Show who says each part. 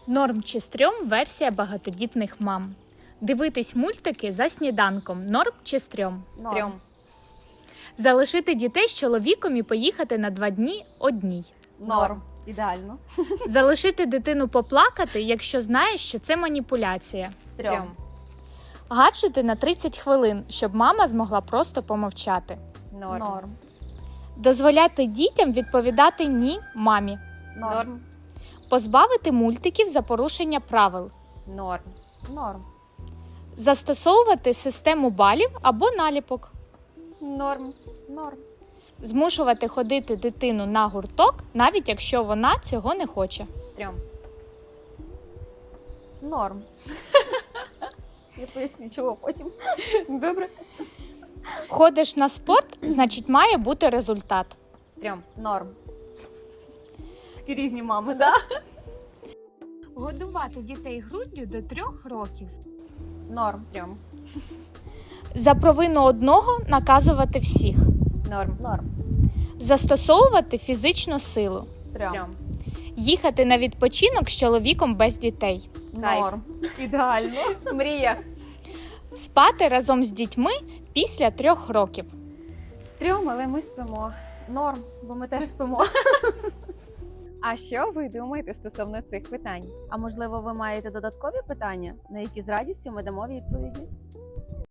Speaker 1: Норм чи стрьом – версія багатодітних мам. Дивитись мультики за сніданком – норм чи стрьом?
Speaker 2: Стрьом.
Speaker 1: Залишити дітей з чоловіком і поїхати на 2 дні одній.
Speaker 2: Норм. Ідеально.
Speaker 1: Залишити дитину поплакати, якщо знаєш, що це маніпуляція.
Speaker 2: Стрьом.
Speaker 1: Гаджети на 30 хвилин, щоб мама змогла просто помовчати.
Speaker 2: Норм.
Speaker 1: Дозволяти дітям відповідати «ні» мамі.
Speaker 2: Норм.
Speaker 1: Позбавити мультиків за порушення правил.
Speaker 2: Норм. Норм.
Speaker 1: Застосовувати систему балів або наліпок.
Speaker 2: Норм. Норм.
Speaker 1: Змушувати ходити дитину на гурток, навіть якщо вона цього не хоче.
Speaker 2: Стрьом. Норм. Я поясню, чого потім. Добре.
Speaker 1: Ходиш на спорт, значить має бути результат.
Speaker 2: Стрьом. Норм. Такі різні мами, так?
Speaker 1: Годувати дітей груддю до 3 років.
Speaker 2: Норм. Стрьом.
Speaker 1: За провину одного наказувати всіх.
Speaker 2: Норм. Норм.
Speaker 1: Застосовувати фізичну силу.
Speaker 2: Стрьом.
Speaker 1: Їхати на відпочинок з чоловіком без дітей.
Speaker 2: Норм. Ідеально. Мрія.
Speaker 1: Спати разом з дітьми після 3 років.
Speaker 2: Стрьом, але ми спимо. Норм, бо ми теж спимо.
Speaker 3: А що ви думаєте стосовно цих питань?
Speaker 2: А можливо, ви маєте додаткові питання, на які з радістю ми дамо відповіді?